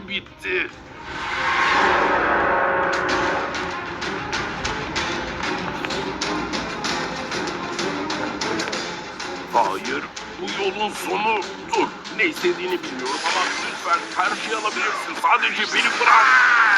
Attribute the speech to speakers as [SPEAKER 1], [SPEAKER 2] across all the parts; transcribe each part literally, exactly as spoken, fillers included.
[SPEAKER 1] işim bitti. Hayır, bu yolun sonu. Dur, ne istediğini bilmiyorum ama lütfen her şeyi alabilirsin. Sadece beni bırak.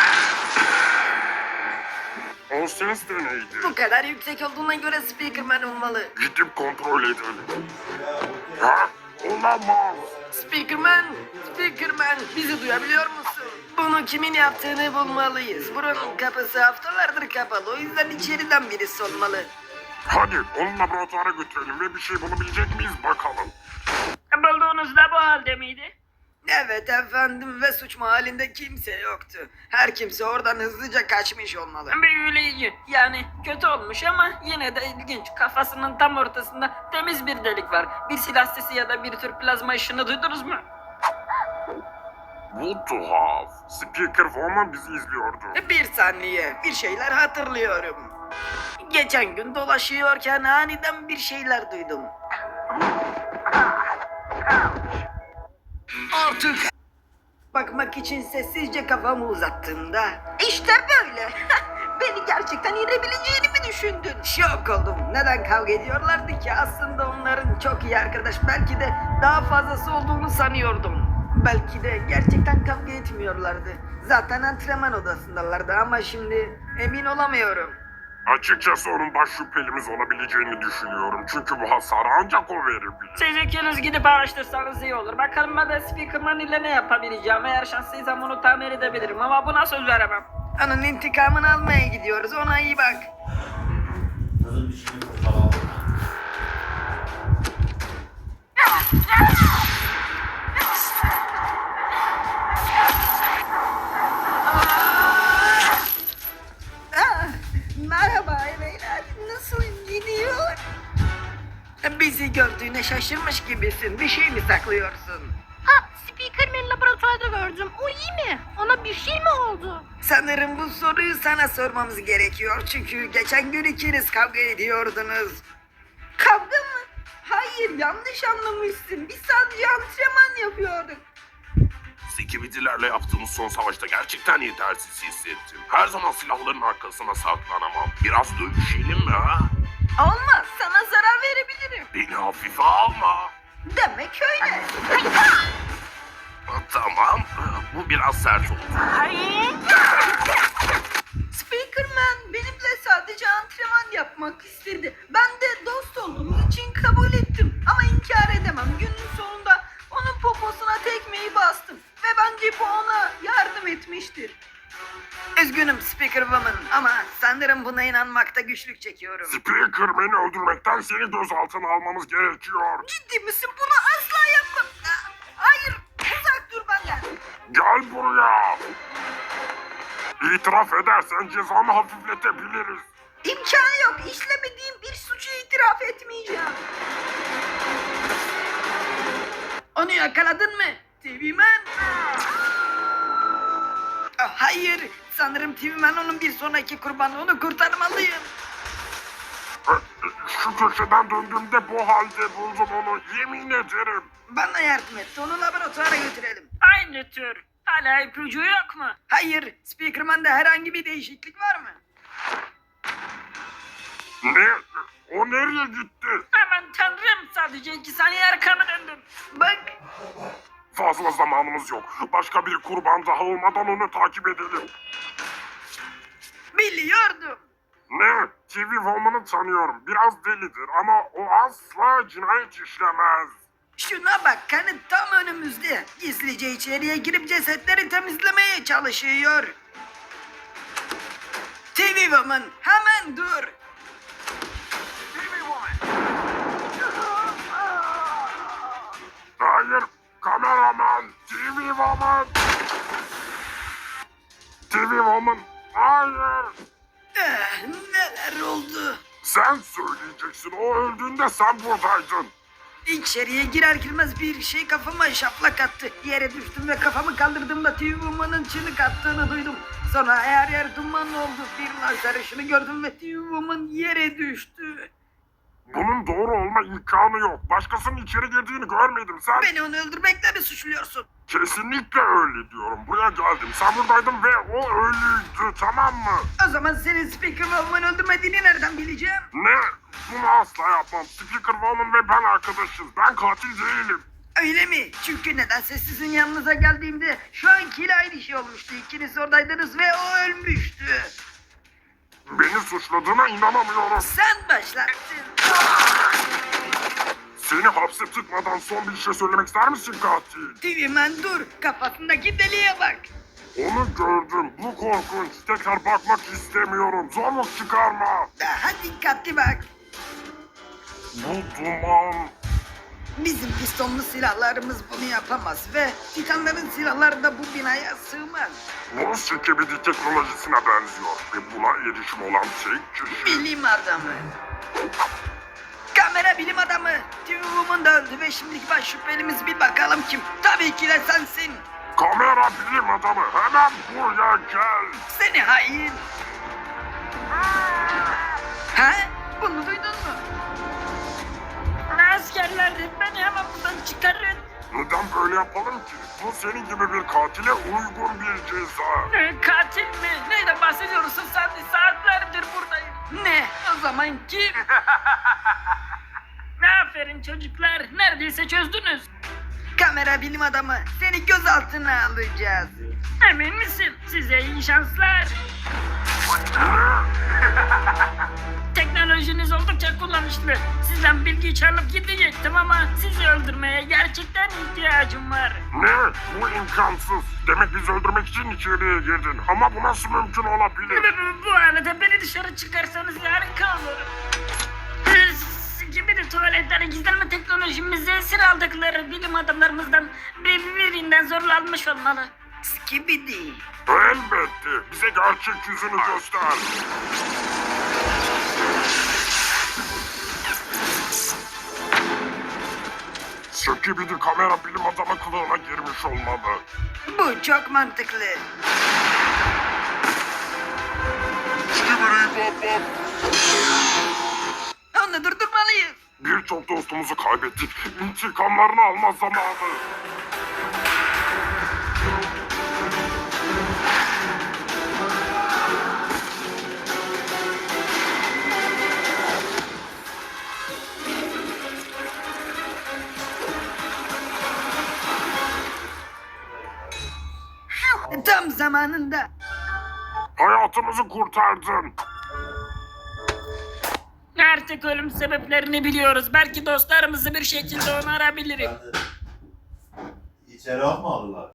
[SPEAKER 2] O ses de neydi?
[SPEAKER 3] Bu kadar yüksek olduğuna göre Speakerman olmalı.
[SPEAKER 2] Gidip kontrol edelim. Ha? Olamaz.
[SPEAKER 3] Speakerman, Speakerman bizi duyabiliyor musun? Bunu kimin yaptığını bulmalıyız. Buranın kapısı haftalardır kapalı. O yüzden içeriden birisi olmalı.
[SPEAKER 2] Hadi onu laboratuvara götürelim ve bir şey bulabilecek miyiz bakalım.
[SPEAKER 4] Bulduğunuz da bu halde miydi?
[SPEAKER 3] Evet efendim ve suç mahallinde kimse yoktu. Her kimse oradan hızlıca kaçmış olmalı.
[SPEAKER 4] Büyüleyici. Yani kötü olmuş ama yine de ilginç. Kafasının tam ortasında temiz bir delik var. Bir silah sesi ya da bir tür plazma ışını duydunuz mu?
[SPEAKER 2] Bu tuhaf. Speaker Woman bizi izliyordu.
[SPEAKER 3] Bir saniye, bir şeyler hatırlıyorum. Geçen gün dolaşıyorken aniden bir şeyler duydum. Artık bakmak için sessizce kafamı uzattığımda işte böyle. Beni gerçekten yenebileceğini mi düşündün? Şok oldum. Neden kavga ediyorlardı ki? Aslında onların çok iyi arkadaş. Belki de daha fazlası olduğunu sanıyordum. Belki de gerçekten kavga etmiyorlardı. Zaten antrenman odasındalardı ama şimdi emin olamıyorum.
[SPEAKER 2] Açıkçası onun baş şüphelimiz olabileceğini düşünüyorum. Çünkü bu hasarı ancak o verebilir.
[SPEAKER 4] Siz ikiniz gidip araştırsanız iyi olur. Bakalım ben de Speakerman ile ne yapabileceğim. Eğer şanslıysam onu tamir edebilirim ama buna söz veremem.
[SPEAKER 3] Onun intikamını almaya gidiyoruz. Ona iyi bak.
[SPEAKER 5] Kızın bir şeyini kurtaralım.
[SPEAKER 3] Ah, merhaba beyler. Nasıl gidiyor? Bizi gördüğüne şaşırmış gibisin. Bir şey mi saklıyorsun?
[SPEAKER 6] Ha, Speakerman'i laboratuvarda gördüm. O iyi mi? Ona bir şey mi oldu?
[SPEAKER 3] Sanırım bu soruyu sana sormamız gerekiyor. Çünkü geçen gün ikiniz kavga ediyordunuz. Kavga mı? Hayır, yanlış anlamışsın. Biz sadece antrenman yapıyorduk.
[SPEAKER 1] Sikibidilerle yaptığımız son savaşta gerçekten yetersiz hissettim. Her zaman silahların arkasına saklanamam. Biraz dövüşelim mi ha?
[SPEAKER 3] Olmaz, sana zarar verebilirim.
[SPEAKER 1] Beni hafife alma.
[SPEAKER 3] Demek öyle.
[SPEAKER 1] Tamam, bu biraz sert oldu.
[SPEAKER 3] Speakerman benimle sadece antrenman yapmak istedi. Ben de dost olduğumuz için kabul ettim. Ama inkar edemem. Günün sonunda onun poposuna tekmeyi bastım. Ve bence bu ona yardım etmiştir. Üzgünüm Speaker Woman ama sanırım buna inanmakta güçlük çekiyorum.
[SPEAKER 2] Speaker beni öldürmekten seni gözaltına almamız gerekiyor.
[SPEAKER 3] Ciddi misin? Bunu asla yapma. Ah, hayır, uzak dur benden.
[SPEAKER 2] Gel buraya. İtiraf edersen cezanı hafifletebiliriz.
[SPEAKER 3] İmkanı yok. İşlemediğim bir suçu itiraf etmeyeceğim. Onu yakaladın mı? T V Man? Ah, hayır. Sanırım T V Man onun bir sonraki kurbanı. Onu kurtarmalıyım.
[SPEAKER 2] Şu köşeden döndüğümde bu halde buldum onu. Yemin ederim.
[SPEAKER 3] Bana yardım et. Onu laboratuvara götürelim.
[SPEAKER 4] Aynı tür. Hala ipucu yok mu?
[SPEAKER 3] Hayır. Speakerman'da herhangi bir değişiklik var mı?
[SPEAKER 2] Ne? O nereye gitti?
[SPEAKER 4] Aman tanrım, sadece iki saniye arkamı döndüm.
[SPEAKER 3] Bak.
[SPEAKER 2] Fazla zamanımız yok. Başka bir kurban daha olmadan onu takip edelim.
[SPEAKER 3] Biliyordum.
[SPEAKER 2] Ne? T V Woman'ı tanıyorum. Biraz delidir ama o asla cinayet işlemez.
[SPEAKER 3] Şuna bak, kanıt tam önümüzde. Gizlice içeriye girip cesetleri temizlemeye çalışıyor. T V Woman, hemen dur.
[SPEAKER 2] Hayır, kameraman, T V Woman. T V Woman, hayır.
[SPEAKER 3] Eh, neler oldu?
[SPEAKER 2] Sen söyleyeceksin, o öldüğünde sen buradaydın.
[SPEAKER 3] İçeriye girer girmez bir şey kafama şaplak attı. Yere düştüm ve kafamı kaldırdığımda T V Woman'ın çığlık attığını duydum. Sonra her yer duman oldu. Bir lazer ışını gördüm ve T V Woman yere düştü.
[SPEAKER 2] Bunun doğru olma imkanı yok. Başkasının içeri girdiğini görmedim. Sen
[SPEAKER 3] Beni onu öldürmekle mi suçluyorsun?
[SPEAKER 2] kesinlikle öyle diyorum. Buraya geldim. Sen buradaydın ve o ölüydü, tamam mı?
[SPEAKER 3] O zaman senin Speaker Woman'ı öldürmediğini nereden bileceğim?
[SPEAKER 2] Ne? Bunu asla yapmam. Speaker Woman ve ben arkadaşız. Ben katil değilim.
[SPEAKER 3] Öyle mi? Çünkü nedense sizin yanınıza geldiğimde şu ankiyle aynı şey olmuştu. İkiniz oradaydınız ve o ölmüştü.
[SPEAKER 2] Beni suçladığına inanamıyorum.
[SPEAKER 3] Sen başlattın.
[SPEAKER 2] Seni hapse tıkmadan son bir şey söylemek ister misin katil?
[SPEAKER 3] Tüymen dur. Kafasındaki deliğe bak.
[SPEAKER 2] Onu gördüm. Bu korkunç. Tekrar bakmak istemiyorum. Zorluk çıkarma.
[SPEAKER 3] Daha dikkatli bak.
[SPEAKER 2] Bu duman.
[SPEAKER 3] Bizim pistonlu silahlarımız bunu yapamaz ve Titanların silahları da bu binaya sığmaz.
[SPEAKER 2] Bu sikebidi teknolojisine benziyor. Ve buna erişim olan tek kişi.
[SPEAKER 3] Bilim adamı. Kamera bilim adamı. T V Woman da öldü ve şimdiki baş şüphelimiz bir bakalım kim? Tabii ki de sensin.
[SPEAKER 2] Kamera bilim adamı. Hemen buraya gel.
[SPEAKER 3] Seni hain. Ha? Bunu duydun mu?
[SPEAKER 4] Askerler beni hemen buradan çıkarın.
[SPEAKER 2] Neden böyle yapalım ki? Bu senin gibi bir katile uygun bir ceza.
[SPEAKER 4] Ee, Katil mi? Neyden bahsediyorsun sen? Saatlerdir buradayım.
[SPEAKER 3] Ne? O zaman kim?
[SPEAKER 4] Aferin çocuklar. Neredeyse çözdünüz.
[SPEAKER 3] Kamera bilim adamı. Seni gözaltına alacağız.
[SPEAKER 4] Emin misin? Size iyi şanslar. Teknolojiniz oldukça kullanışlı. Sizden bilgi çalıp gidecektim ama sizi öldürmeye gerçekten ihtiyacım var.
[SPEAKER 2] Ne? Bu imkansız. Demek bizi öldürmek için içeriye girdin. Ama bu nasıl mümkün olabilir?
[SPEAKER 4] Bu, bu arada beni dışarı çıkarsanız harika olur. Gibi de tuvaletlere gizlenme teknolojimizi esir aldıkları bilim adamlarımızdan bir- birinden zorlanmış olmalı.
[SPEAKER 3] Skibidi.
[SPEAKER 2] Elbette. Bize gerçek yüzünü göster. Sökibidi kamera bilim adamı kılığına girmiş olmalı.
[SPEAKER 3] Bu çok mantıklı.
[SPEAKER 2] Skibidi bop bop.
[SPEAKER 3] Onu durdurmalıyız.
[SPEAKER 2] Birçok dostumuzu kaybettik. İntikamlarını alma zamanı.
[SPEAKER 3] Tam zamanında.
[SPEAKER 2] Hayatımızı kurtardın.
[SPEAKER 4] Artık ölüm sebeplerini biliyoruz. Belki dostlarımızı bir şekilde onarabilirim.
[SPEAKER 5] İçeri almadılar.